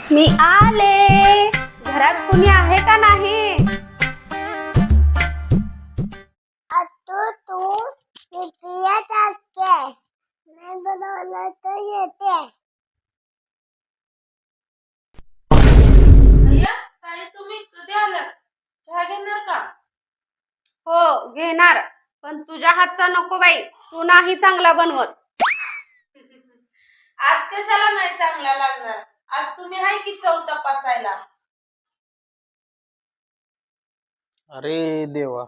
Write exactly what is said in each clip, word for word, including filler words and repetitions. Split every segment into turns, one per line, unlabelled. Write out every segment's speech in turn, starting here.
मी आले. घरात कुणी आहे का नाही?
तू तू येतेच असते. नाही बोलवलं तर येते.
अय्या ताई, तुम्ही कधी आलात? चहा घेणार का?
हो घेणार, पण तुझ्या हातचा नको बाई. तू नाही चांगला बनवत.
आज कशाला नाही चांगला लागणार? आज तुम्ही आहे की चव तपासायला.
अरे देवा,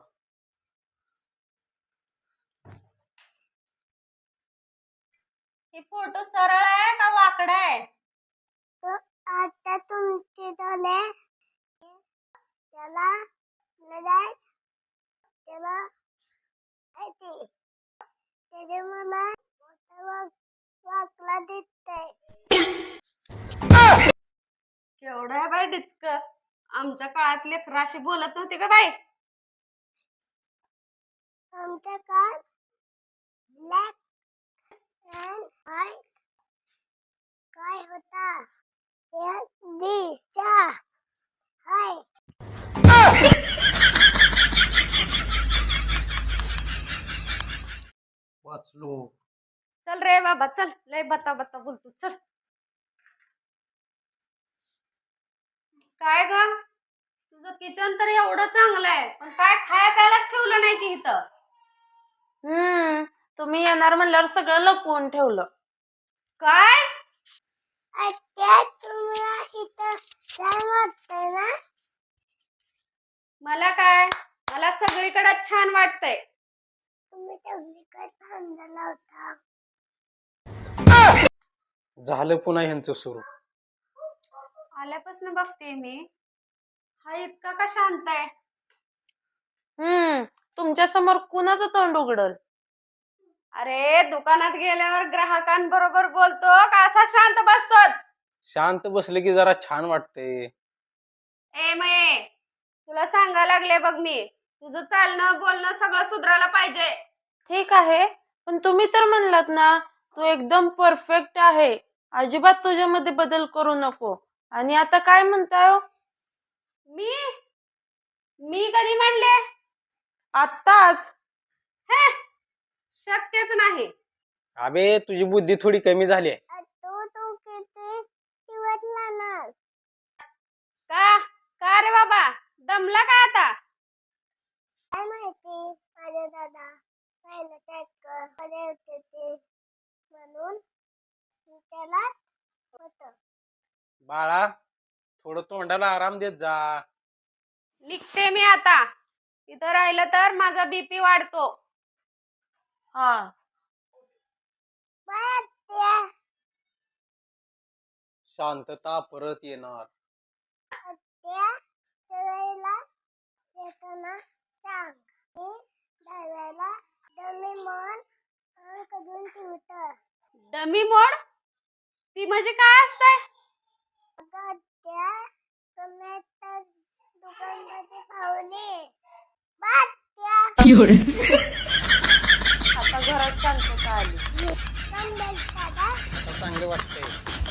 हे फोटो सरळ आहे का वाकडा आहे?
तो आता तुमचे डोळे त्याला लगाय त्याला ऐकते. त्याचे मला मोठा वाक वाकला दिसतंय.
केवढं आहे बाई डिचक. आमच्या काळात लेकराशी बोलत नव्हते का बाई?
आमच्या काळ ब्लॅक अँड व्हाईट काय होता? एक दिशा हाय.
वाचलो.
चल रे बाबा चल, लय बता बता बोलतो. चल काय ग, तुझं किचन तर एवढं चांगलं आहे, पण काय खाया प्यायलाच ठेवलं नाही की इथं.
हम्म तुम्ही येणार म्हणल्यावर सगळं लपवून ठेवलं.
काय?
आता तुम्हाला इथं छान वाटतंय ना?
मला काय, मला सगळीकडे छान वाटतंय.
तुम्ही सगळीकडे थांबलेला होता.
झालं पुन्हा ह्यांचं सुरू.
आल्यापासून बघते मी, हा इतका का शांत आहे?
हम्म तुमच्या समोर कुणाचं तोंड उघडल?
अरे दुकानात गेल्यावर ग्राहकांबरोबर बोलतो का असा शांत बसतो?
शांत बसले की जरा छान वाटते.
ए मये, तुला सांगायला लागले बघ मी, तुझं चालणं बोलणं सगळं सुधारायला पाहिजे.
ठीक आहे, पण तुम्ही तर म्हणलात ना तू एकदम परफेक्ट आहे, अजिबात तुझ्यामध्ये बदल करू नको. आणि आता काय म्हणताय हो?
मी मी कधी म्हणले?
आत्ताच.
हे शक्यच नाही.
अबे तुझी बुद्धी थोडी कमी झाली आहे.
तू तू किती दिवस लागणार?
का का रे बाबा, दमला का आता?
काय माहिती, माझे दादा पहिलं टॅक्टर कडे होते ते म्हणून मी त्याला होत.
बाळा, थोडं तोंडाला आराम देत जा.
निघते मी आता. इथं राहिलं तर माझा बीपी वाढतो.
हा
बाय आत्या.
शांतता परत येणार.
आत्या सवयीला येताना सांग. मी डाव्याला डमी मन करून ठेवत.
Dummy mode? ती म्हणजे काय असतंय?
अगं आत्या, तुम्ही तर दुकानमध्ये पावले. बाय आत्या.
आता घरात शांतता आली.
कम दादा.
आता चांगलं वाटतंय.